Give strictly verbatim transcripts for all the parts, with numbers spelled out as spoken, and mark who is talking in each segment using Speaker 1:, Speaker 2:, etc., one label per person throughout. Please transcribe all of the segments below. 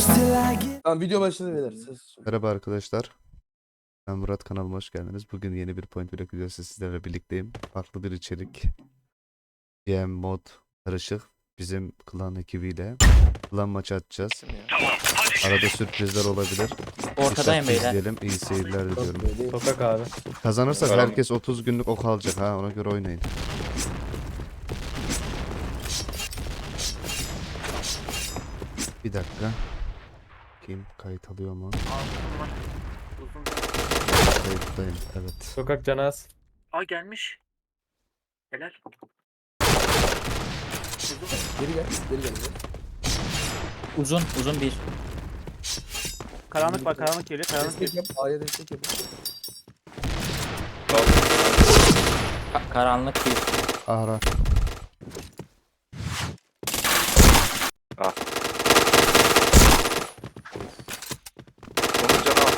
Speaker 1: Tamam video başladı beyler. Ses.
Speaker 2: Merhaba arkadaşlar. Ben Murat, kanalıma hoş geldiniz. Bugün yeni bir Point Blank videosu sizlerle birlikteyim. Farklı bir içerik. G M mod karışık. Bizim klan ekibiyle klan maçı atacağız. Arada sürprizler olabilir.
Speaker 3: Ortadayım
Speaker 2: Dikkatli
Speaker 3: beyler.
Speaker 2: izleyelim. İyi seyirler diliyorum.
Speaker 4: Sokak abi.
Speaker 2: Kazanırsak
Speaker 4: Tamam.
Speaker 2: herkes otuz günlük ok alacak ha. Ona göre oynayın. Bir dakika. Kim kayıt alıyor mu? Kayıttayım. Evet.
Speaker 4: Sokak canaz.
Speaker 3: Aa gelmiş. Helal.
Speaker 1: Geri gel. Geri gel.
Speaker 3: Uzun uzun bir.
Speaker 5: Karanlık var, karanlık geliyor, karanlık
Speaker 1: Destek
Speaker 5: geliyor.
Speaker 1: yap. A'ya destek yap.
Speaker 3: Ka- karanlık bir.
Speaker 2: Ara.
Speaker 6: Onun canı al.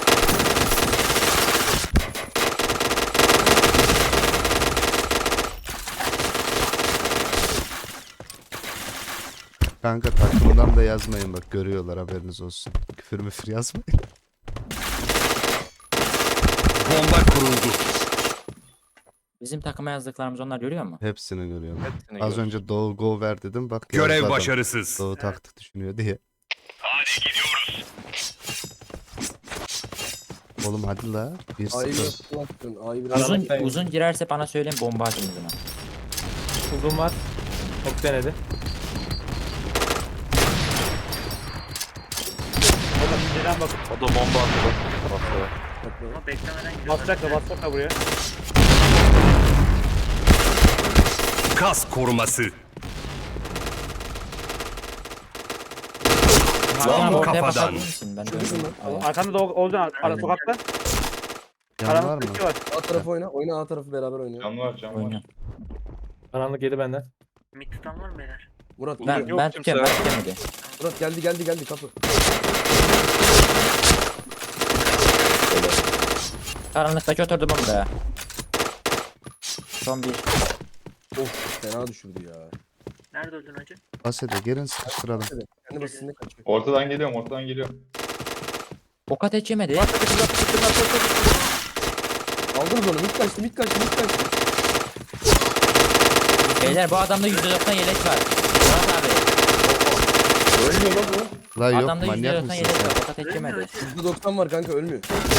Speaker 2: Kanka takımdan da yazmayın bak, görüyorlar, haberiniz olsun. Küfür müfür yazmayın.
Speaker 7: Bomba kuruldu.
Speaker 3: Bizim takıma yazdıklarımız onlar görüyor mu?
Speaker 2: Hepsini görüyorum.
Speaker 6: Hepsini
Speaker 2: Az
Speaker 6: gör.
Speaker 2: önce Doğu go ver dedim, bak
Speaker 7: Görev
Speaker 2: yazdı adam.
Speaker 7: başarısız.
Speaker 2: Doğu taktik düşünüyor diye. Oğlum hadi la. bir
Speaker 1: A'yı
Speaker 2: sıfır.
Speaker 1: biraz kulakın. A'yı biraz.
Speaker 3: Uzun
Speaker 4: Karanlıktayım.
Speaker 3: uzun girerse bana söyleyin, bomba atın uzuna.
Speaker 4: Uzun var. Çok denedi.
Speaker 5: Oğlum inceden bak.
Speaker 6: O da bomba attı. Basıyor.
Speaker 3: Ama beklemeden
Speaker 5: Basacak da basacak da buraya.
Speaker 7: Kas koruması.
Speaker 3: Hakan ortaya
Speaker 7: kafadan.
Speaker 3: bakabilir misin? Ben de
Speaker 1: Şurada
Speaker 3: öyle-
Speaker 1: mı?
Speaker 3: Aynen.
Speaker 5: Arkanda da Olcan ara sokakta.
Speaker 2: Yan var
Speaker 5: Karanlık
Speaker 2: mı?
Speaker 5: bir şey var.
Speaker 1: A tarafı oyna. Oyna A tarafı beraber oynuyor.
Speaker 8: Can var, can var.
Speaker 3: Oynuyor.
Speaker 4: Karanlık yedi benden.
Speaker 3: Mid tutan var mı beyler?
Speaker 1: Murat.
Speaker 3: Ben,
Speaker 1: geliyor.
Speaker 3: ben
Speaker 6: kimse
Speaker 3: tutuyorum, ben
Speaker 6: yok.
Speaker 3: tutuyorum.
Speaker 1: Murat geldi geldi geldi kapı.
Speaker 3: Karanlıktaki oturdu bomba. Son bir.
Speaker 1: Of fena düşürdü ya.
Speaker 3: Nerede öldün hacı?
Speaker 2: Basede gelin sıkıştıralım.
Speaker 1: Evet. Kendi basitinde kaçıyor.
Speaker 8: Ortadan geliyorum, ortadan geliyorum.
Speaker 3: Ok ateş yemedi.
Speaker 1: Aldınız onu. Mid kaçtı mid kaçtı mid kaçtı.
Speaker 3: Beyler bu adamda yüzde doksan yelek var. Murat abi.
Speaker 1: Ölmüyor lan bu.
Speaker 2: La yok,
Speaker 3: Adamda yüzde
Speaker 2: manyak
Speaker 3: doksan
Speaker 2: mısın
Speaker 3: yelek
Speaker 2: sen?
Speaker 3: var. Ok ateş yemedi.
Speaker 1: yüzde doksan var kanka ölmüyor.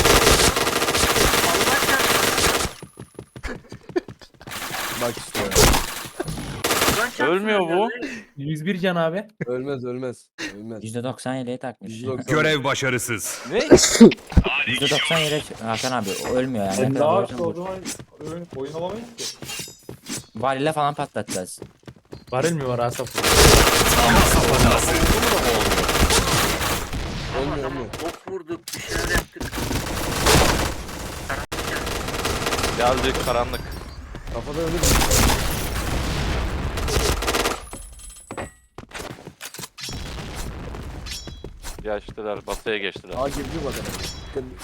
Speaker 1: Bak işte ya.
Speaker 6: Ölmüyor bu.
Speaker 4: yüz bir can abi.
Speaker 1: Ölmez ölmez. Ölmez.
Speaker 3: yüzde doksan yeleği takmış.
Speaker 1: yüzde doksan.
Speaker 7: Görev başarısız.
Speaker 6: Ne?
Speaker 3: yüzde doksan yelek Hakan abi, o ölmüyor yani. Ne
Speaker 8: Ne
Speaker 3: kadar
Speaker 8: yaptı
Speaker 3: vurursan
Speaker 8: o
Speaker 3: vur.
Speaker 8: zaman oyun, oyun alamayız ki.
Speaker 3: Varile falan patlatacağız.
Speaker 4: Varil mi var Asaf?
Speaker 7: Kas koruması.
Speaker 1: Ölmüyor ölmüyor.
Speaker 3: Ok vurduk, bir şeyler yaptık.
Speaker 6: Geldi karanlık.
Speaker 1: Kafada ölür.
Speaker 6: Geçtiler. Batıya geçtiler.
Speaker 1: A girdi bak adam. Dikkat et.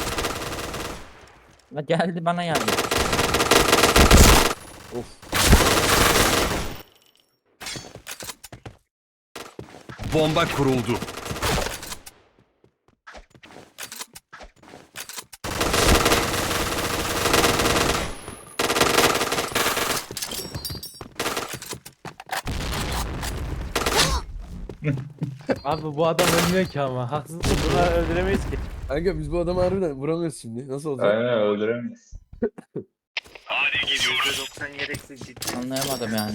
Speaker 3: La geldi bana yardım.
Speaker 1: Of.
Speaker 7: Bomba kuruldu.
Speaker 4: Abi bu adam ölmüyor ki ama. Haksızlık.
Speaker 5: Bunları öldüremeyiz ki.
Speaker 1: Kanka biz bu adamı harbiden vuramıyoruz şimdi. Nasıl olacak?
Speaker 8: Aynen öldüremeyiz.
Speaker 3: yüzde doksan yereksiz ciddi. Anlayamadım yani.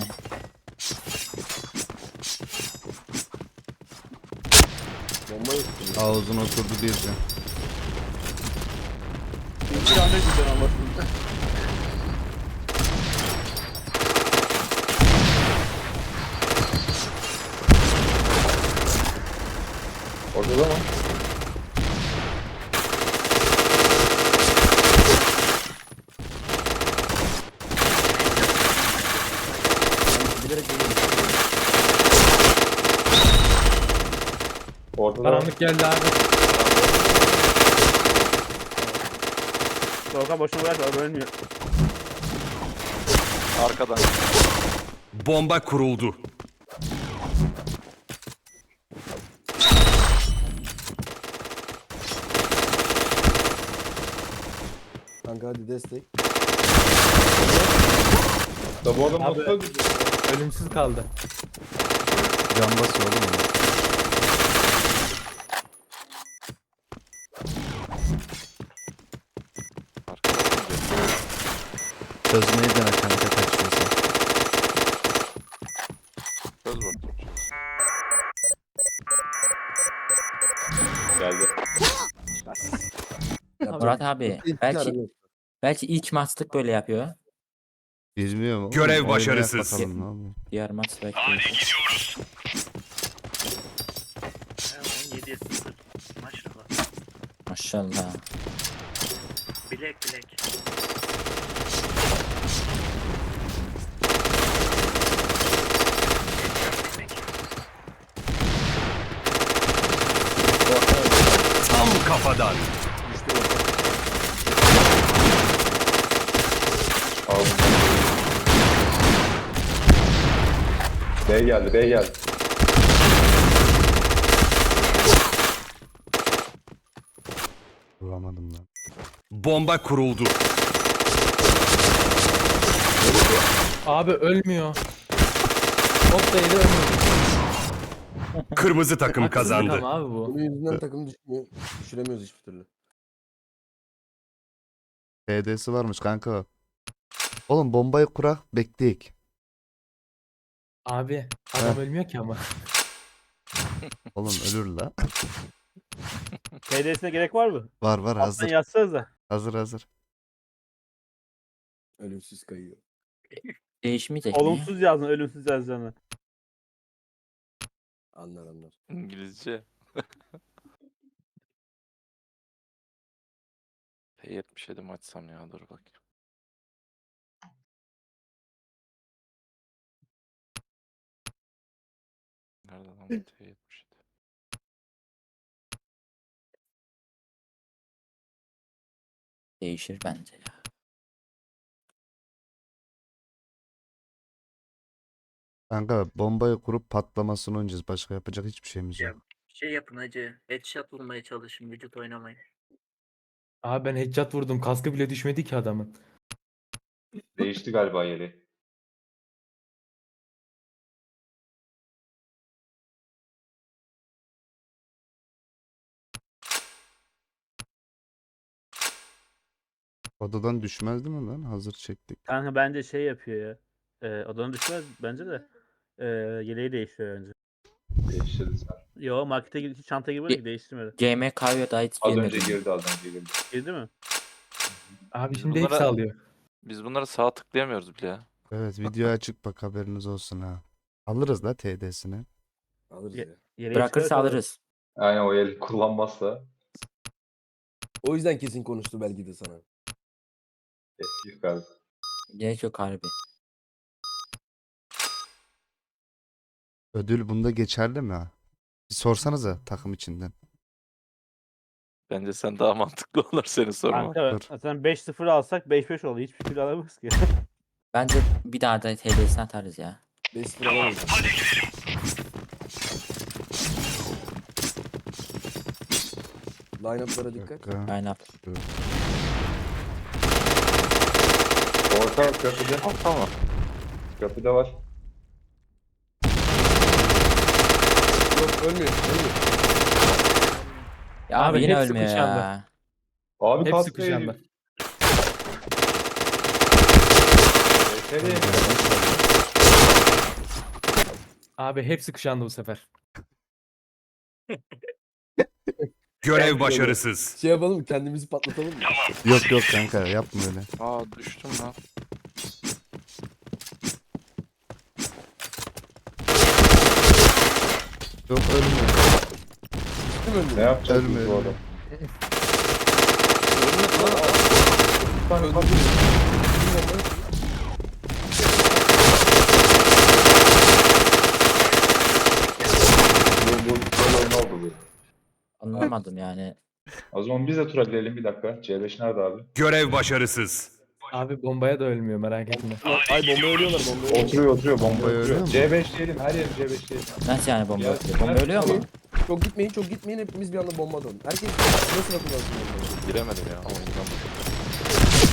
Speaker 1: Bomba yok.
Speaker 2: Ağzına oturdu bir can.
Speaker 1: Bir anda gidiyor anlasın.
Speaker 8: Ortada mı?
Speaker 1: Bilerek geliyorum.
Speaker 8: Ortada.
Speaker 4: Karanlık geldi abi.
Speaker 5: Soğuka boşuna bırakma ölmüyor.
Speaker 6: Arkadan.
Speaker 7: Bomba kuruldu.
Speaker 1: Kanka hadi destek.
Speaker 8: Da bu adam
Speaker 4: Abi.
Speaker 8: nasıl öldürdü?
Speaker 4: Ölümsüz kaldı.
Speaker 2: Can basıyor oğlum ona. Çözmeyi dene kanka kaçıyorsa.
Speaker 6: Söz bakayım.
Speaker 8: Geldi.
Speaker 3: Murat abi
Speaker 1: İlk
Speaker 3: belki
Speaker 1: arada.
Speaker 3: belki ilk maçlık böyle yapıyor.
Speaker 2: Bilmiyorum oğlum.
Speaker 7: Görev
Speaker 2: oynayak
Speaker 7: başarısız.
Speaker 2: bakalım ne oluyor.
Speaker 3: Diğer maç belki.
Speaker 9: yediye sıfır. Maşallah.
Speaker 3: Maşallah.
Speaker 9: Bilek bilek.
Speaker 7: Tam kafadan.
Speaker 8: Aldım. B geldi, B geldi.
Speaker 2: Vuramadım lan.
Speaker 7: Bomba kuruldu.
Speaker 4: Abi ölmüyor. Hop da yedi ölmüyor.
Speaker 7: Kırmızı takım
Speaker 4: Haksızlık
Speaker 7: kazandı.
Speaker 4: ama abi bu.
Speaker 1: Bunun yüzünden takım düşmüyor. Düşüremiyoruz hiçbir türlü.
Speaker 2: T D'si varmış kanka. Oğlum bombayı kurak bekleyek.
Speaker 4: Abi adam
Speaker 2: Heh.
Speaker 4: ölmüyor ki ama.
Speaker 2: Oğlum ölür la.
Speaker 5: T D'sine gerek var mı?
Speaker 2: Var var
Speaker 5: Alttan
Speaker 2: hazır.
Speaker 5: yazsanız da.
Speaker 2: Hazır hazır.
Speaker 1: Ölümsüz kayıyor.
Speaker 3: Değişmeyecek mi?
Speaker 5: Olumsuz yazın, ölümsüz yazacağını.
Speaker 1: Anlar anlar.
Speaker 6: İngilizce. P yetmiş yedi mi açsam ya, dur bakayım. Nerede lan bu T yetmiş yedi?
Speaker 3: Değişir bence ya.
Speaker 2: Kanka bombayı kurup patlamasını oynayacağız. Başka yapacak hiçbir şeyimiz yok.
Speaker 9: Şey yapın hacı. Headshot vurmaya çalışın. Vücut oynamayın.
Speaker 4: Abi ben headshot vurdum. Kaskı bile düşmedi ki adamın.
Speaker 8: Değişti galiba yeri.
Speaker 2: Odadan düşmez değil mi lan? Hazır çektik.
Speaker 5: Kanka bence şey yapıyor ya. Ee, odanın düşmez bence de. Ee, yeleği değiştiriyor önce.
Speaker 8: Değiştirdi sen.
Speaker 5: Yo markete girdi, çanta girmedi ki değiştirmedi.
Speaker 3: G M K'ya da hiç
Speaker 8: Az
Speaker 3: girmedi.
Speaker 8: önce girdi, az önce girdi.
Speaker 5: Girdi mi?
Speaker 4: Abi
Speaker 6: Biz
Speaker 4: şimdi
Speaker 6: bunlara-
Speaker 4: hepsi alıyor.
Speaker 6: Biz bunları sağ tıklayamıyoruz bile ya.
Speaker 2: Evet video açık bak haberiniz olsun ha. Alırız la T D'sini.
Speaker 1: Alırız
Speaker 5: Ye-
Speaker 1: ya.
Speaker 5: Yeleği
Speaker 3: Bırakırsa
Speaker 5: çıkarsa
Speaker 3: alırız.
Speaker 8: Aynen, o el kullanmazsa
Speaker 1: O yüzden kesin konuştu belki de sana.
Speaker 8: etkili kaldı.
Speaker 3: Gerek yok harbi.
Speaker 2: Ödül bunda geçerli mi ha? Bir sorsanıza takım içinden.
Speaker 6: Bence sen daha mantıklı olur seni sorma.
Speaker 5: Kanka
Speaker 2: Dur.
Speaker 5: zaten beş sıfır alsak beş beş olur. Hiçbir türlü alamayız ki.
Speaker 3: Bence bir daha da T D'sini atarız ya.
Speaker 1: beş sıfır alamayız. Line-up'lara
Speaker 2: Bir
Speaker 1: dikkat.
Speaker 2: dakika.
Speaker 3: Line up.
Speaker 8: Orta köprüde.
Speaker 6: Tamam.
Speaker 8: Köprüde var.
Speaker 1: Yok ölmüyor. Ölmüyor.
Speaker 3: Ya abi,
Speaker 4: Abi
Speaker 3: yine
Speaker 4: hepsi
Speaker 3: ölmüyor
Speaker 4: kuşandı.
Speaker 3: ya.
Speaker 8: Abi
Speaker 4: Hepsi
Speaker 8: kaskı
Speaker 4: kuşandı.
Speaker 8: yedi. Nereye?
Speaker 4: Abi hepsi kuşandı bu sefer.
Speaker 7: Görev başarısız.
Speaker 1: Şey yapalım mı? Kendimizi patlatalım mı?
Speaker 2: Yok yok kanka yapma öyle.
Speaker 6: Aa düştüm lan.
Speaker 2: Yok ölmüyor.
Speaker 1: Kim öldü?
Speaker 8: Ne yapacağız
Speaker 2: Ölme,
Speaker 8: biz bu
Speaker 2: ölme.
Speaker 8: adam?
Speaker 1: Öldü.
Speaker 8: Bu, bu böyle oyun oldu bu.
Speaker 3: Anlamadım yani.
Speaker 8: O zaman biz de tura girelim bir dakika. C beş nerede abi?
Speaker 7: Görev başarısız.
Speaker 4: Abi bombaya da ölmüyor merak etme.
Speaker 1: Ay bomba ölüyorlar bomba ölüyorlar.
Speaker 8: Oturuyor oturuyor bomba
Speaker 2: Bombayı
Speaker 8: oturuyor.
Speaker 2: ölüyor mu?
Speaker 8: C beş diyelim, her yer C beş diyelim.
Speaker 3: Nasıl yani bomba
Speaker 8: Ya,
Speaker 3: atıyor? Bomba
Speaker 8: ben-
Speaker 3: ölüyor mu?
Speaker 1: Çok gitmeyin çok gitmeyin hepimiz bir anda bomba atalım. Herkes nasıl atılarsın bombayı?
Speaker 6: Giremedim ya. Oyundan.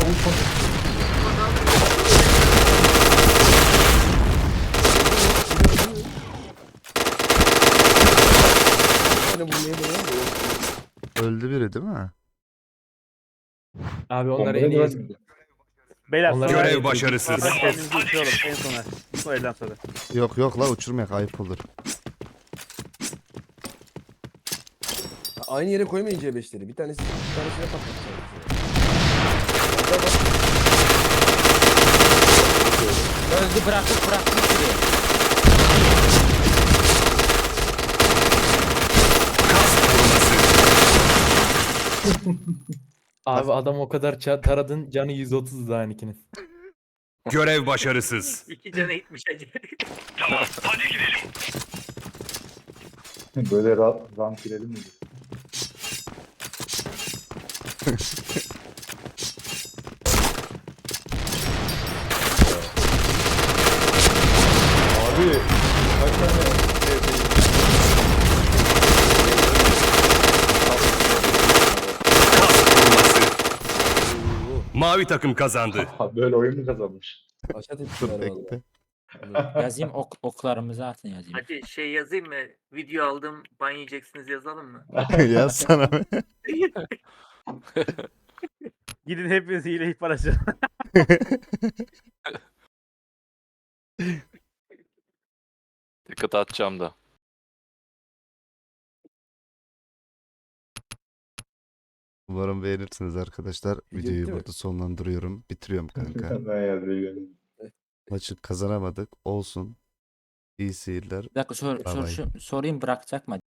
Speaker 1: Yani bu neydi lan?
Speaker 2: Öldü biri değil mi?
Speaker 4: Abi onlar
Speaker 8: Onları
Speaker 4: en iyi.
Speaker 8: görmedim.
Speaker 5: Beyler
Speaker 4: Onlar-
Speaker 5: sonra
Speaker 7: Görev başarısız.
Speaker 5: Bırak kendinizi uçuralım en sona. Bu elden sonra.
Speaker 2: Yok yok la uçurmayak ayıp olur.
Speaker 1: Aynı yere koymayın C beşleri. Bir tanesi bir tanesine patlatacağım.
Speaker 3: Öldü bıraktık bıraktık gibi.
Speaker 4: Abi adam o kadar ça- taradın canı yüz otuz daha ikinin.
Speaker 7: Görev başarısız.
Speaker 9: İki cana gitmiş acı.
Speaker 8: Böyle rahat rank girelim mi? Abi kaç tane
Speaker 7: Mavi takım kazandı.
Speaker 8: Ha, böyle oyun mu kazanmış?
Speaker 1: Aşağı
Speaker 2: Dur
Speaker 1: tepkiler valla.
Speaker 2: bekle.
Speaker 3: Yazayım ok, oklarımızı atın yazayım.
Speaker 9: Hadi şey yazayım mı? Video aldım ban yiyeceksiniz yazalım mı?
Speaker 2: Yaz sana.
Speaker 5: Gidin hepiniz hile ihbar açın.
Speaker 6: Dikkat atacağım da.
Speaker 2: Umarım beğenirsiniz arkadaşlar.
Speaker 1: Bitti
Speaker 2: Videoyu
Speaker 1: mi?
Speaker 2: burada sonlandırıyorum. Bitiriyorum kanka.
Speaker 8: Ben yazıyorum.
Speaker 2: Maçı kazanamadık. Olsun. İyi seyirler.
Speaker 3: Bir dakika sor,
Speaker 2: Bay
Speaker 3: sor,
Speaker 2: bay.
Speaker 3: şu- sorayım bırakacak mı?